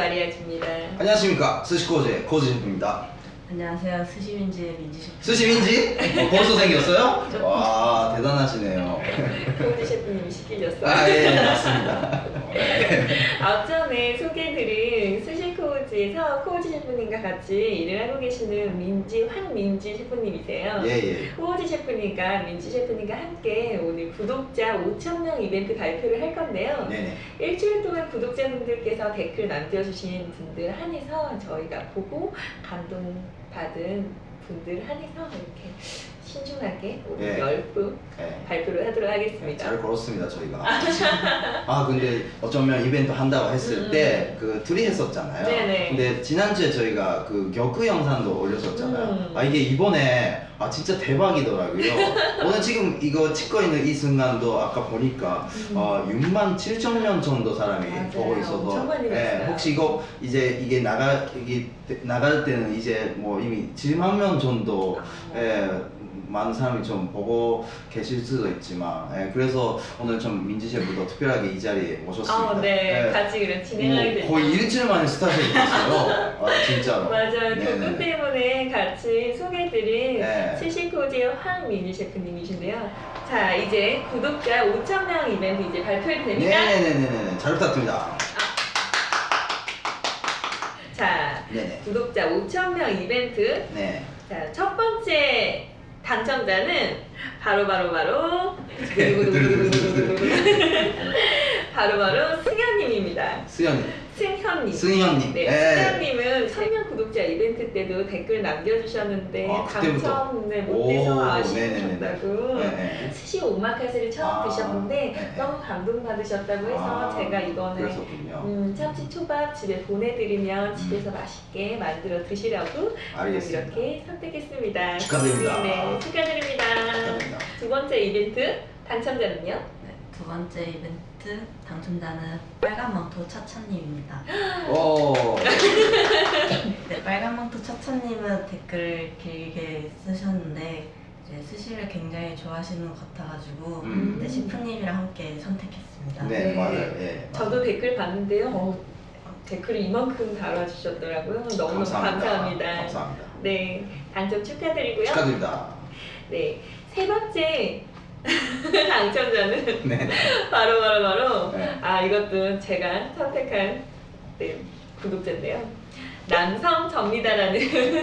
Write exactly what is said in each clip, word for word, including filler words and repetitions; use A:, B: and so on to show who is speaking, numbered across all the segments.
A: 마리아주입니다.
B: 안녕하십니까, 스시코즈의 코즈 셰프입니다.
C: 안녕하세요. 스시민지의 민지 셰프.
B: 스시민지? 어, 벌써 생겼어요? 와, 대단하시네요.
A: 코즈 셰프님이 시키셨어요.
B: 아, 예, 맞습니다.
A: 앞전에 소개해드린 스시코즈에서 코즈 셰프님과 같이 일을 하고 계시는 민지, 황민지 셰프님이세요.
B: 예, 예.
A: 코즈 셰프님과 민지 셰프님과 함께 오늘 구독자 오천 명 이벤트 발표를 할 건데요.
B: 네네.
A: 일주일 동안 구독자분들께서 댓글 남겨주신 분들 한해서 저희가 보고 감동받은 분들 한해서 이렇게 신중하게 오늘
B: 예.
A: 열 분
B: 예.
A: 발표를 하도록 하겠습니다.
B: 잘 걸었습니다, 저희가. 아, 근데 어쩌면 이벤트 한다고 했을
A: 음.
B: 때 그 둘이 했었잖아요.
A: 네네.
B: 근데 지난주에 저희가 그 격구 영상도 올렸었잖아요.
A: 음.
B: 아, 이게 이번에 아 진짜 대박이더라고요. 오늘 지금 이거 찍고 있는 이 순간도 아까 보니까
A: 음.
B: 어, 육만 칠천 명 정도 사람이
A: 맞아요.
B: 보고 있어서
A: 엄청 많이
B: 예,
A: 봤어요.
B: 혹시 이거 이제 이게 나가 이게 나갈 때는 이제 뭐 이미 칠만 명 정도
A: 아.
B: 예, 많은 사람이 좀 보고 계실 수도 있지만 예, 그래서 오늘 좀 민지 셰프도 특별하게 이 자리에 모셨습니다.
A: 아, 네.
B: 예.
A: 같이 그래 진행하게
B: 뭐
A: 됐죠.
B: 거의 일주일 만에 스타트이 됐어요. 아, 진짜로.
A: 맞아요.
B: 네네네.
A: 그분 때문에 같이 소개해드린
B: 네.
A: 스시코즈의 황민희 셰프님이신데요. 자, 이제 구독자 오천 명 이벤트 이제 발표해도 됩니까?
B: 네네네네네. 잘 부탁드립니다.
A: 자,
B: 네네.
A: 구독자 오천 명 이벤트.
B: 네.
A: 자, 첫 번째 당첨자는 바로 바로 바로 바로 바로 승현님입니다.
B: 수현님.
A: 승현님.
B: 승현님.
A: 네,
B: 네.
A: 승현님은 천 명 구독자 이벤트 때도 댓글 남겨주셨는데
B: 아, 그때부터?
A: 당첨 네, 못돼서
B: 오,
A: 아쉬우셨다고
B: 네네네.
A: 스시 오마카세를 처음
B: 아,
A: 드셨는데
B: 네.
A: 너무 감동받으셨다고 해서
B: 아,
A: 제가 이번에
B: 그랬었군요.
A: 음, 참치 초밥 집에 보내드리면 집에서 맛있게 만들어 드시라고
B: 알겠습니다.
A: 이렇게 선택했습니다.
B: 축하드립니다.
A: 네, 축하드립니다.
B: 축하드립니다.
A: 두 번째 이벤트 당첨자는요?
C: 네, 두 번째 이벤트 당첨자는 빨간망토 차차님입니다.
B: 오.
C: 네, 빨간망토 차차님은 댓글 길게 쓰셨는데 이제 스시를 굉장히 좋아하시는 것 같아가지고
B: 음.
C: 네, 셰프님이랑 함께 선택했습니다.
B: 네,
A: 네.
B: 맞아요. 예.
A: 저도 댓글 봤는데요. 어, 댓글을 이만큼 달아주셨더라고요. 너무너무
B: 감사합니다.
A: 감사합니다.
B: 감사합니다.
A: 네, 당첨 축하드리고요.
B: 축하드립니다.
A: 네, 세 번째 당첨자는
B: 네.
A: 바로 바로 바로
B: 네.
A: 아 이것도 제가 선택한 네, 구독자인데요. 남성 접니다라는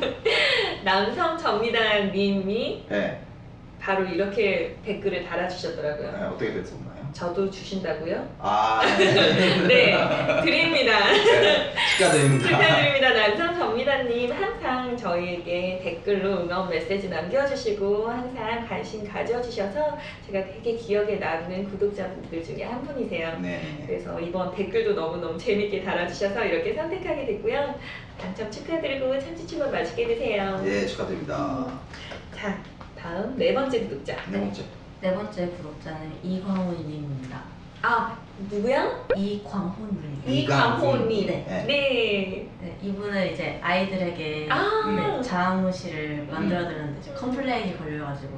A: 남성 접니다 님이
B: 네.
A: 바로 이렇게 댓글을 달아주셨더라고요.
B: 네, 어떻게 됐었나요?
A: 저도 주신다고요?
B: 아, 네.
A: 네, 드립니다.
B: 네, 축하드립니다.
A: 축하드립니다. 남성 접니다님 항상 저희에게 댓글로 응원 메시지 남겨주시고 항상 관심 가져주셔서 제가 되게 기억에 남는 구독자분들 중에 한 분이세요.
B: 네.
A: 그래서 이번 댓글도 너무너무 재밌게 달아주셔서 이렇게 선택하게 됐고요. 당첨 축하드리고 참치초밥 맛있게 드세요.
B: 예, 축하드립니다.
A: 자, 다음 네 번째 구독자.
B: 네 번째.
C: 네 번째 구독자는 이광호님입니다.
A: 아, 누구야?
C: 이광호님.
A: 이광호님.
C: 네.
B: 네.
A: 네.
C: 네, 이분은 이제 아이들에게
A: 아.
C: 네, 자아무시를 만들어드렸는데 이제 컴플레인이 걸려가지고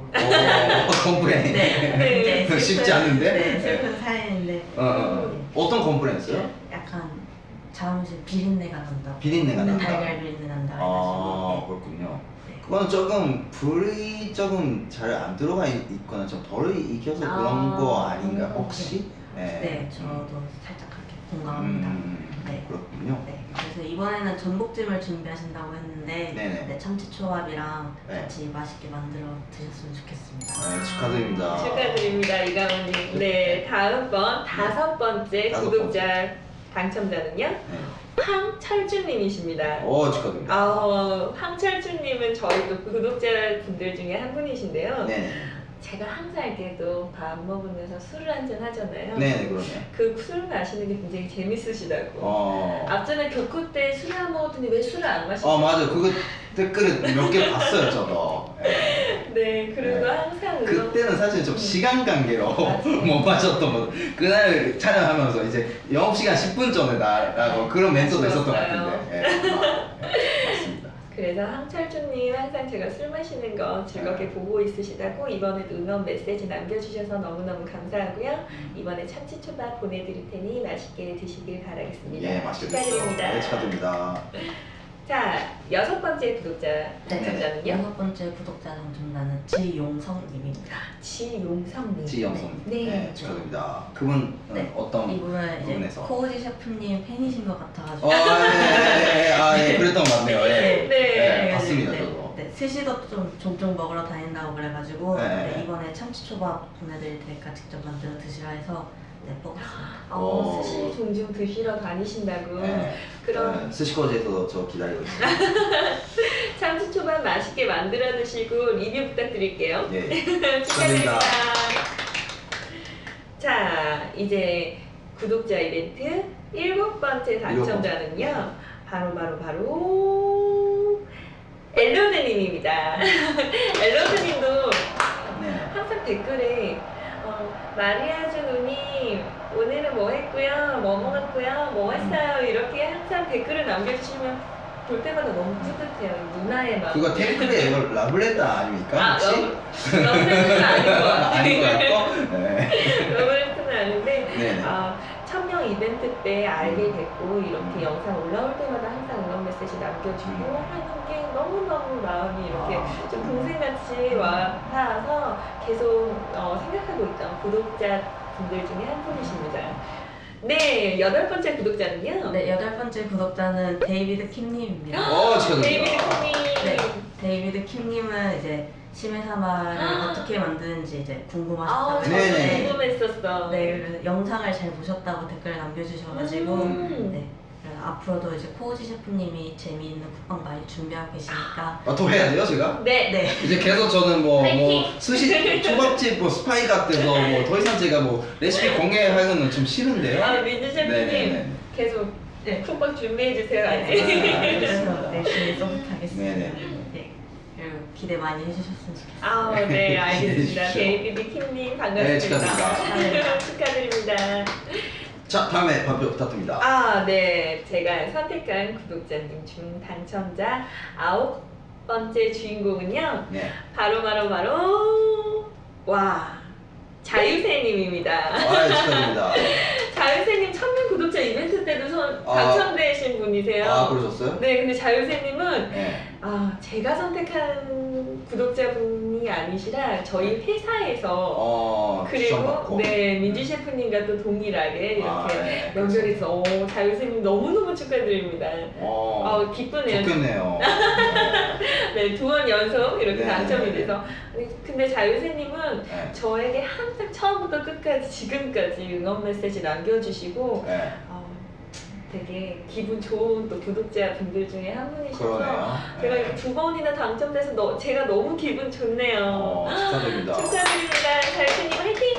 B: 오, 컴플레인.
C: 네,
A: 네.
C: 이제
B: 쉽지
C: 슬픈-
B: 않은데?
C: 네, 슬픈 사연인데
B: 어, 어, 어. 어떤 컴플레인스요?
C: 약간 자아무시 비린내가 난다.
B: 비린내가 난다.
C: 달걀 비린내 난다.
B: 아,
C: 해가지고
B: 그렇군요.
C: 네.
B: 그거는 조금 불이 조금 잘 안 들어가 있- 있거나 좀 덜 익혀서
A: 아.
B: 그런 거 아닌가 혹시?
C: 네, 네, 저도 살짝 그렇게 공감합니다.
B: 음,
C: 네.
B: 그렇군요.
C: 네, 그래서 이번에는 전복찜을 준비하신다고 했는데
B: 네네.
C: 네, 참치초밥이랑
B: 네.
C: 같이 맛있게 만들어 드셨으면 좋겠습니다.
B: 네, 축하드립니다.
A: 축하드립니다, 이강원님. 네, 다음번 다섯 번째
B: 다섯
A: 구독자 당첨자는요?
B: 네.
A: 황철주님이십니다.
B: 오, 축하드립니다.
A: 아, 황철주님은 저희 또 구독자분들 중에 한 분이신데요.
B: 네네.
A: 제가 항상 이렇게도 밥 먹으면서 술을 한잔 하잖아요.
B: 네네, 그러네.
A: 그 술 마시는 게 굉장히 재밌으시다고.
B: 어.
A: 앞전에 교코 때 술을 안 먹었더니 왜 술을 안 마시죠?
B: 어, 맞아. 그거 댓글을 몇 개 봤어요, 저도. 네.
A: 네, 그리고
B: 네.
A: 항상 응원-
B: 그때는 사실 좀
A: 음.
B: 시간 관계로
A: 맞아요.
B: 못 마셨던 거. 그날 촬영하면서 이제 영업시간 십 분 전에 나라고 그런 멘트도 있었던 것
A: 아쉬웠어요.
B: 같은데. 예, 아, 예, 맞습니다.
A: 그래서 황철주님 항상 제가 술 마시는 거 즐겁게
B: 네.
A: 보고 있으시다고 이번에도 응원 메시지 남겨주셔서 너무너무 감사하고요. 이번에 참치초밥 보내드릴 테니 맛있게 드시길 바라겠습니다.
B: 예, 맛있게 드세요.
A: 축하드립니다.
B: 네, 축하드립니다.
A: 자, 여섯 번째 구독자 당첨자는요?
C: 여섯 번째 구독자 당첨자는 지용성님입니다.
A: 지용성님.
B: 지영성.
A: 네.
B: 네, 축하드립니다. 그분
C: 네.
B: 어떤
C: 이분은 이제
B: 부분에서?
C: 코우지 셰프님 팬이신 것 같아가지고.
B: 어, 예, 예, 예, 아, 예, 그랬던 것 같네요. 예.
A: 네.
B: 네, 봤습니다,
C: 네,
B: 저도.
C: 네, 스시도 좀 종종 먹으러 다닌다고 그래가지고
B: 네.
C: 네, 이번에 참치초밥 보내드릴 테니까 직접 만들어 드시라 해서 네, 뽑았습니다.
A: 어,
B: 오.
A: 스시 종종 드시러 다니신다고.
B: 네.
A: 그럼
B: 네, 스시코지에서 저 기다리고 있습니다.
A: 참치초밥 맛있게 만들어 드시고 리뷰 부탁드릴게요.
B: 예.
A: 축하드립니다. 자, 이제 구독자 이벤트 일곱 번째 당첨자는요. 바로 바로 바로 엘로드님입니다. 엘로드님도
B: 네.
A: 항상 댓글에 어, 마리아주 누님 오늘은 뭐 했고요, 뭐 먹었고요, 뭐 했어요 이렇게 항상 댓글을 남겨주시면 볼 때마다 너무 뿌듯해요. 누나의 마음.
B: 그거 탱크의 라블레타 아닙니까?
A: 아,
B: 혹시?
A: 너무 러브레터는 아닌 것 같아요.
B: 아닌 것 같고? 네.
A: 러브레터는 아닌데
B: 네네.
A: 아, 천명 이벤트 때 알게
B: 음.
A: 됐고 이렇게 영상 올라올 때마다 항상 응원 메시지 남겨주고
B: 음.
A: 하는 게 너무너무 마음이 이렇게
B: 아.
A: 좀 동생같이 와 닿아서 계속 어, 생각하고 있던 구독자분들 중에 한 분이십니다. 네, 여덟 번째 구독자는요.
C: 네, 여덟 번째 구독자는 데이비드 킴님입니다.
B: 어,
A: 데이비드
B: 축하드립니다.
A: 킴님.
C: 네, 데이비드 킴님은 이제 시메사마를 어떻게 만드는지 이제
A: 아,
C: 궁금하셨다고
A: 저도
B: 네네.
A: 궁금했었어.
C: 네, 그래서 영상을 잘 보셨다고 댓글 남겨주셔가지고
A: 음.
C: 네, 그래서 앞으로도 이제 코우지 셰프님이 재미있는 국방 많이 준비하고 계시니까
B: 아, 또 해야 돼요, 제가?
A: 네.
C: 네,
B: 이제 계속 저는 뭐, 뭐
A: 파이팅!
B: 스시 초밥집 뭐 스파이 같아서 뭐 더 이상 제가 뭐 레시피 공개하는 건 좀 싫은데요.
A: 아, 민주 셰프님
B: 네네네.
A: 계속 네, 쿡방 준비해주세요. 아직.
B: 네.
C: 그래서 열심히 써보겠습니다.
B: 네네.
C: 네, 그리고 기대 많이 해주셨으면 좋겠어요.
A: 아, 네, 알겠습니다.
B: 해주십시오.
A: 데이비드 킴님 반갑습니다.
B: 네, 축하드립니다.
A: 축하드립니다.
B: 자, 다음에 발표 부탁드립니다.
A: 아, 네. 제가 선택한 구독자님 중 당첨자 아홉 번째 주인공은요.
B: 네.
A: 바로 바로 바로 와 자유새님입니다.
B: 아, 축하드립니다.
A: 자유새님 천명 구독자 이벤트 때도 선,
B: 아.
A: 당첨되신 분이세요.
B: 아, 그러셨어요?
A: 네, 근데 자유새님은
B: 네.
A: 아 제가 선택한 구독자분이 아니시라 저희 회사에서
B: 어,
A: 그리고
B: 추천받고.
A: 네 민주 셰프님과 또 동일하게 이렇게
B: 아, 네.
A: 연결해서 오, 자유새님 너무너무 축하드립니다.
B: 어,
A: 어, 기쁘네요.
B: 좋겠네요.
A: 네, 두 번 연속 이렇게
B: 네.
A: 당첨이 돼서. 아니, 근데 자유새님은
B: 네.
A: 저에게 항상 처음부터 끝까지 지금까지 응원 메시지 남겨주시고
B: 네.
A: 어, 되게 기분 좋은 또 구독자분들 중에 한 분이셔서
B: 그러네요.
A: 제가
B: 네.
A: 이렇게 두 번이나 당첨돼서 너, 제가 너무 기분 좋네요.
B: 어, 축하드립니다.
A: 축하드립니다. 자유새님 화이팅!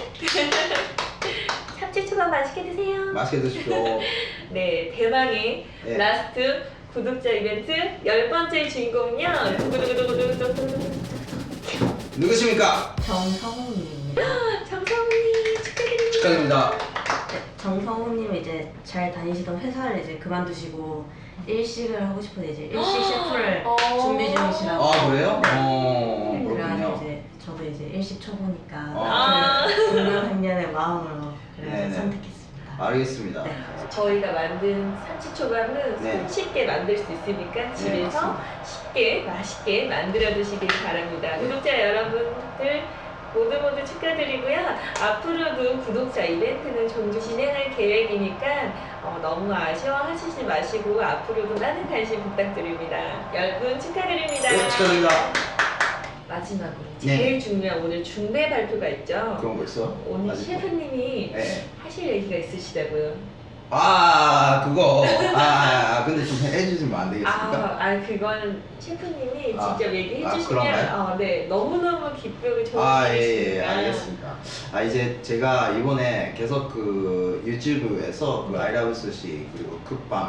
A: 참치초밥 맛있게 드세요.
B: 맛있게 드십시오.
A: 네, 대망의
B: 네.
A: 라스트 구독자 이벤트 열 번째 주인공은요. 두구두구두구두구두구.
B: 누구십니까?
C: 정성훈님입니다.
A: 정성훈님 축하드립니다.
B: 축하드립니다.
C: 네, 정성훈님은 이제 잘 다니시던 회사를 이제 그만두시고 일식을 하고 싶어서 이제 일식 셰프를
A: 어.
C: 준비 중이시라고.
B: 아, 그래요? 어,
C: 그래가지고
B: 그렇군요.
C: 이제 저도 이제 일식 초보니까
A: 아.
C: 그 동료학년의 마음으로 그래서
B: 네네.
C: 선택했습니다.
B: 알겠습니다.
C: 네.
A: 저희가 만든 참치초밥은
B: 네.
A: 손쉽게 만들 수 있으니까 집에서
B: 맞습니다.
A: 쉽게 맛있게 만들어 드시길 바랍니다. 구독자 여러분들 모두 모두 축하드리고요. 앞으로도 구독자 이벤트는 종종 진행할 계획이니까 어, 너무 아쉬워하시지 마시고 앞으로도 많은 관심 부탁드립니다. 여러분 축하드립니다.
B: 네, 축하드립니다.
A: 마지막으로
B: 네.
A: 제일 중요한 오늘 중대 발표가 있죠.
B: 그런 거 있어?
A: 오늘
B: 아직도?
A: 셰프님이
B: 네.
A: 하실 얘기가 있으시다고요.
B: 아, 그거. 아, 아, 아, 근데 좀 해주시면 안 되겠습니까?
A: 아, 아 그건 셰프님이
B: 아,
A: 직접 얘기해
B: 아,
A: 주시면
B: 그런가요?
A: 어, 네 너무너무 기쁘고 좋은
B: 아, 예, 예,
A: 일이시니까.
B: 알겠습니다. 아, 이제 제가 이번에 계속 그 유튜브에서 그 아이라브 스시 그리고 쿡방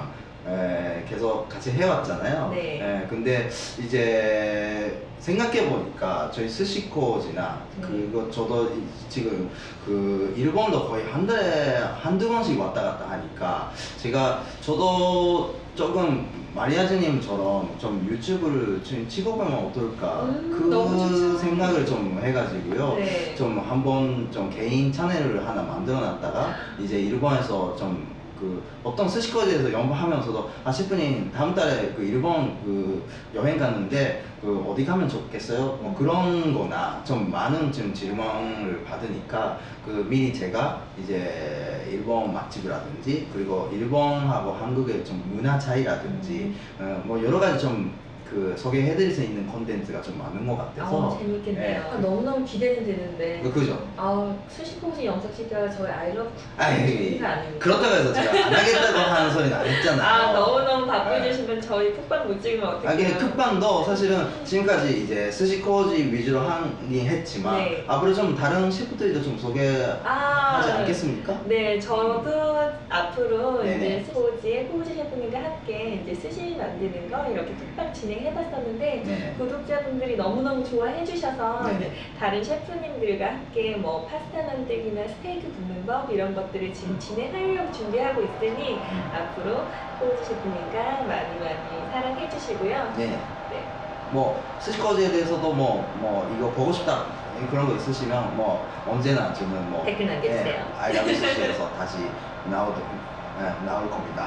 B: 에, 계속 같이 해왔잖아요.
A: 네.
B: 에, 근데 이제 생각해 보니까 저희 스시코지나
A: 네.
B: 그거 저도 이- 지금 그 일본도 거의 한 달에 한두 번씩 왔다 갔다 하니까 제가 저도 조금 마리아즈님처럼 좀 유튜브를 좀 찍어보면 어떨까
A: 음, 너무
B: 그
A: 좋죠.
B: 생각을 좀 해가지고요.
A: 네.
B: 좀 한번 좀 개인 채널을 하나 만들어 놨다가 이제 일본에서 좀 그 어떤 스시코지에서 연구하면서도 아 셰프님 다음 달에 그 일본 그 여행 가는데 그 어디 가면 좋겠어요? 뭐 그런 거나 좀 많은 좀 질문을 받으니까 그 미리 제가 이제 일본 맛집이라든지 그리고 일본하고 한국의 좀 문화 차이라든지 어, 뭐 여러 가지 좀 그 소개해드릴 수 있는 콘텐츠가 좀 많은 것 같아서
A: 아, 재밌겠네요.
B: 예.
A: 아, 너무너무 기대는 되는데.
B: 그- 그죠?
A: 아, 수시코지 영상 찍다가 저희 아이러브
B: 아이,
A: 가 아닙니다.
B: 그렇다고 해서 제가 안 하겠다고 하는 소리는 안 했잖아요.
A: 아, 너무너무 바쁘시면 저희 쿡방 못 찍으면
B: 아,
A: 어떡해요?
B: 근데 쿡방도 사실은 지금까지 이제 스시코지 위주로 하긴 했지만
A: 네.
B: 앞으로 좀 다른 셰프들도 좀 소개하지
A: 아,
B: 않겠습니까?
A: 네, 저도 앞으로
B: 네네.
A: 이제 스포지의 코우지 셰프님과 함께 이제 스시 만드는 거 이렇게 쿡방 진행해봤었는데
B: 네.
A: 구독자분들이 너무너무 좋아해 주셔서
B: 네네.
A: 다른 셰프님들과 함께 뭐 파스타 만들기나 스테이크 굽는 법 이런 것들을 지금 진행하려고 준비하고 있으니
B: 음.
A: 앞으로 코우지 셰프님과 많이 많이 사랑해 주시고요.
B: 네.
A: 네.
B: 뭐 스시코지에 대해서도 뭐 뭐 이거 보고 싶다 그런 거 있으시면 뭐 언제나 저는 뭐
A: 댓글 남겨주세요.
B: 아이라브스시에서 다시 나오 네, 나올 겁니다.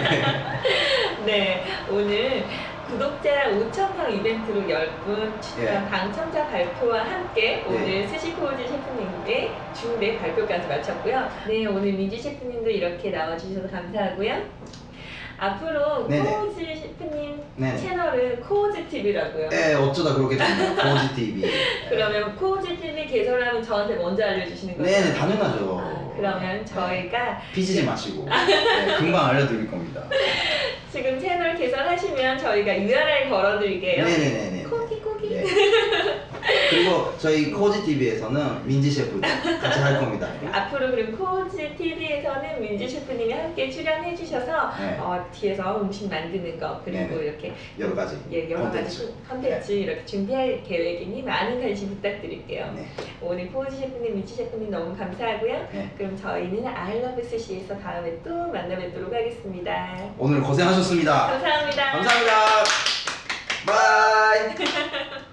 A: 네, 오늘 구독자 오천 명 이벤트로 열 분 추첨
B: 예.
A: 당첨자 발표와 함께 오늘
B: 네.
A: 스시코우지 셰프님의 중대 발표까지 마쳤고요. 네, 오늘 민지 셰프님도 이렇게 나와주셔서 감사하고요. 앞으로
B: 네네.
A: 코우지 셰프님
B: 네네.
A: 채널은 코우지 티비라고요.
B: 네, 어쩌다 그렇게 됐네요. 코지 티비.
A: 그러면 코우지 티비 개설하면 저한테 먼저 알려주시는 거죠?
B: 네, 당연하죠.
A: 아, 그러면 저희가
B: 삐지지 마시고 네, 금방 알려드릴 겁니다.
A: 지금 채널 개설하시면 저희가 유알알 걸어드릴게요.
B: 네네네네.
A: 코기 코기.
B: 네. 그리고 저희 코지 티비에서는 민지 셰프 같이 할 겁니다.
A: 앞으로 그럼 코우지 티비에서는 민지 셰프님이 함께 출연해 주셔서
B: 네.
A: 어, 뒤에서 음식 만드는 거 그리고
B: 네네.
A: 이렇게
B: 여러 가지
A: 예, 여러
B: 콘텐츠.
A: 가지 콘텐츠 이렇게 준비할 계획이니 많은 관심 부탁드릴게요.
B: 네.
A: 오늘 코우지 셰프님, 민지 셰프님 너무 감사하고요.
B: 네.
A: 그럼 저희는 아이러브 스시에서 다음에 또 만나 뵙도록 하겠습니다.
B: 오늘 고생하셨습니다.
A: 감사합니다.
B: 감사합니다. 바이.